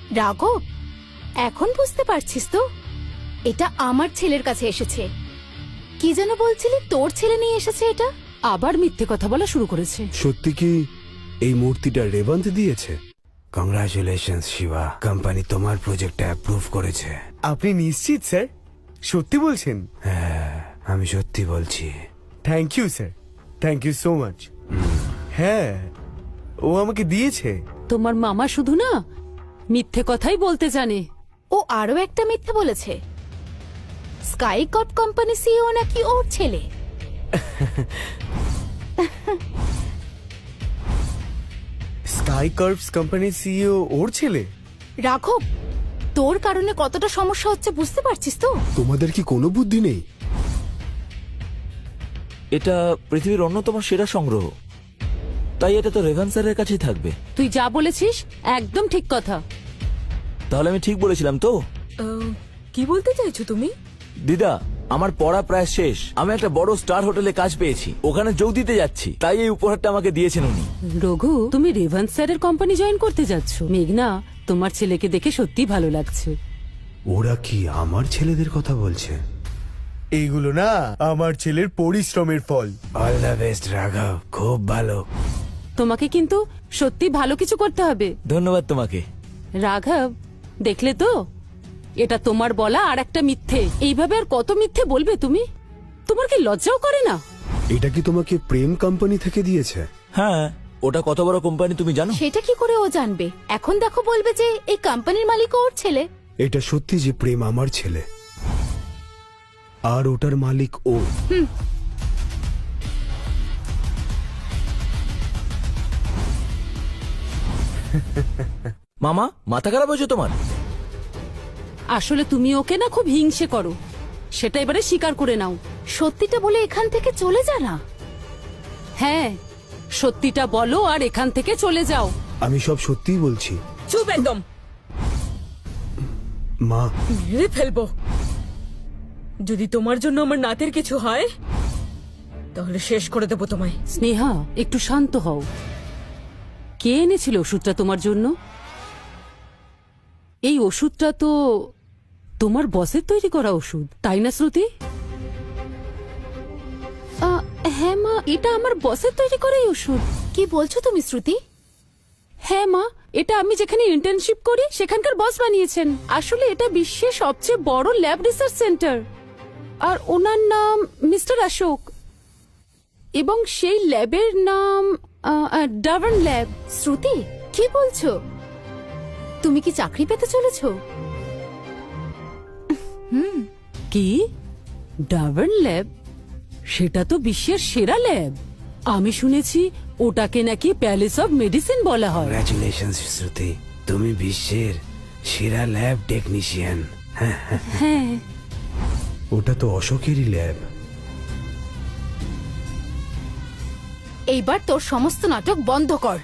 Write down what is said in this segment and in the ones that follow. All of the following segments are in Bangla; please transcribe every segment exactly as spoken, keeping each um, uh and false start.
রাঘব, এখন বুঝতে পারছিস তো? এটা আমার ছেলের কাছে এসেছে। কি যেন বলছিলি, তোর ছেলে নিয়ে এসেছে এটা? আবার মিথ্যে কথা বলা শুরু করেছে। সত্যি কি এই মূর্তিটা রেবন্ত দিয়েছে? কংগ্রাচুলেশনস শিবা, কোম্পানি তোমার প্রজেক্টটা অ্যাপ্রুভ করেছে। আপনি নিশ্চিত স্যার? সত্যি বলছেন? হ্যাঁ, আমি সত্যি বলছি। Thank you sir, thank you so much. হ্যাঁ, ও আমাকে দিয়েছে। তোমার মামা শুধু না মিথ্যে কথাই বলতে জানে। ও আরো একটা মিথ্যে বলেছে। স্কাই কট কোম্পানি সিইও নাকি ওর ছেলে। স্কাই কার্ভস কোম্পানির সিইও ওর ছেলে? রাঘব, তোর কারণে কতটা সমস্যা হচ্ছে বুঝতে পারছিস তো? তোমাদের কি কোনো বুদ্ধি নেই? এটা পৃথিবীর অন্যতম সেরা সংগ্রহ, তাই এটা তো রেভান স্যারের কাছেই থাকবে। তুই যা বলেছিস একদম ঠিক কথা। তাহলে আমি ঠিক বলেছিলাম তো? কি বলতে চাইছো তুমি? দিদা, আমার পড়া প্রায় শেষ। আমি একটা বড় স্টার হোটেলে কাজ পেয়েছি, ওখানে যোগ দিতে যাচ্ছি, তাই এই উপহারটা আমাকে দিয়েছেন উনি। রঘু, তুমি রেভান্স স্যারের কোম্পানি জয়েন করতে যাচ্ছ। মেঘনা, তোমার ছেলেকে দেখে সত্যি ভালো লাগছে। ওরা কি আমার ছেলেদের কথা বলছে? এইগুলো না আমার ছেলের পরিশ্রমের ফল। অল দ্য বেস্ট রাঘব, খুব ভালো। তোমাকে কিন্তু সত্যি ভালো কিছু করতে হবে। ধন্যবাদ তোমাকে। রাঘব, দেখলে তো, এটা তোমার বলা আর একটা মিথ্যে। এইভাবে আর কত মিথ্যে বলবে তুমি? তোমার কি লজ্জাও করে না? এটা কি তোমাকে প্রেম কোম্পানি থেকে দিয়েছে? হ্যাঁ, ওটা কত বড় কোম্পানি তুমি জানো? সেটা কি করে ও জানবে? এখন দেখো, বলবে যে এই কোম্পানির মালিক ওর ছেলে। এটা সত্যি যে প্রেম আমার ছেলে আর ওটার মালিক ও। মামা, মাথা খারাপ হয়েছে তোমার? আসলে তুমি ওকে না খুব হিংসে করো, সেটা এবারে স্বীকার করে নাও। সত্যিটা বলে এখান থেকে চলে যা না। হ্যাঁ, সত্যিটা বলো আর এখান থেকে চলে যাও। আমি সব সত্যিই বলছি। চুপ একদম, মা, মেরে ফেলবো। যদি তোমার জন্য আমার নাতের কিছু হয় তাহলে শেষ করে দেবো তোমায়। স্নেহা, একটু শান্ত হও। কে এনেছিল ওষুধটা তোমার জন্য? এই ওষুধটা তো তোমার বসের তৈরি করা ওষুধ, তাই না শ্রুতি? আহ, হ্যাঁ মা, এটা আমার বসের তৈরি করা এই ওষুধ। কি বলছো তুমি শ্রুতি? হ্যাঁ মা, এটা আমি যেখানে ইন্টার্নশিপ করি সেখানকার বস বানিয়েছেন। আসলে এটা বিশ্বের সবচেয়ে বড় ল্যাব রিসার্চ সেন্টার, আর ওনার নাম মিস্টার অশোক, এবং সেই ল্যাবের নাম ডাভার্ন ল্যাব। শ্রুতি, কি বলছো? তুমি কি চাকরি পেতে চলেছো? কি? Davern lab? সেটা তো বিশ্বের সেরা ল্যাব। আমি শুনেছি ওটাকে নাকি প্যালেস অফ মেডিসিন বলা হয়। কংগ্রাচুলেশনস শ্রুতি, তুমি বিশ্বের সেরা ল্যাব টেকনিশিয়ান। হ্যাঁ, ওটা তো অশোকেরই ল্যাব। এইবার তোর সমস্ত নাটক বন্ধ কর।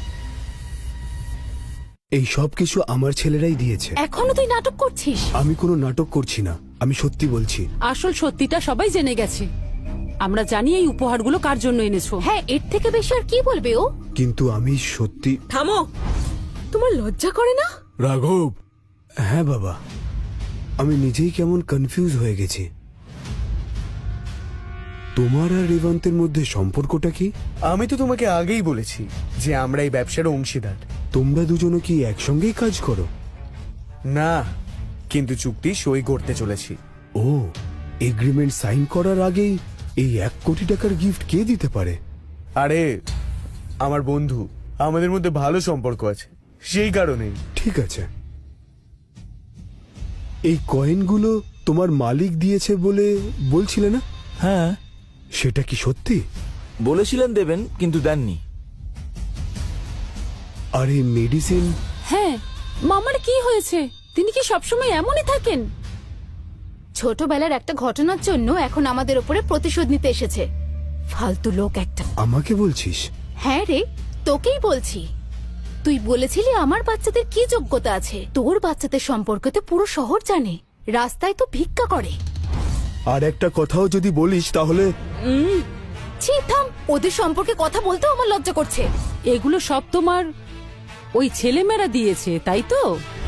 এই সব কিছু আমার ছেলেরাই দিয়েছে। এখনো তুই নাটক করছিস? আমি কোনো নাটক করছি না, আমি সত্যি বলছি। আসল সত্যিটা সবাই জেনে গেছে। আমরা জানি এই উপহারগুলো কার জন্য এনেছো। হ্যাঁ, এর থেকে বেশি আর কি বলবে ও? কিন্তু আমি সত্যি। থামো, তোমার লজ্জা করে না? রাঘব, হ্যাঁ বাবা, আমি নিজেই কেমন কনফিউজ হয়ে গেছি। তোমার আর রেবন্তের মধ্যে সম্পর্কটা কি? আমি তো তোমাকে আগেই বলেছি যে আমরা এই ব্যবসার অংশীদার। তোমরা দুজনে কি একসঙ্গেই কাজ করো? না, কিন্তু চুক্তি সই করতে চলেছি। ও, এগ্রিমেন্ট সাইন করার আগেই এই এক কোটি টাকার গিফট কে দিতে পারে? আরে আমার বন্ধু, আমাদের মধ্যে ভালো সম্পর্ক আছে, সেই কারণেই। ঠিক আছে, এই কয়েনগুলো তোমার মালিক দিয়েছে বলে বলছিলে না? হ্যাঁ, সেটা কি সত্যি? বলেছিলেন দেবেন, কিন্তু দেননি। আর এই মেডিসিন? হ্যাঁ, মামার কি হয়েছে? তিনি কি সবসময় এমনই থাকেন? ছোটবেলার একটা ঘটনার জন্য এখন আমাদের উপরে প্রতিশোধ নিতে এসেছে। ফালতু লোক একটা। আমাকে বলছিস? হ্যাঁ রে, তোকেই বলছি। তুই বলেছিলি আমার বাচ্চাদের কি যোগ্যতা আছে। তোর বাচ্চাদের সম্পর্কে তো পুরো শহর জানে, রাস্তায় তো ভিক্ষা করে। আর একটা কথাও যদি বলিস তাহলে। ছি, থাম, ওদের সম্পর্কে কথা বলতেও আমার লজ্জা করছে। এগুলো সব তোমার ওই ছেলেমেয়েরা দিয়েছে, তাই তো?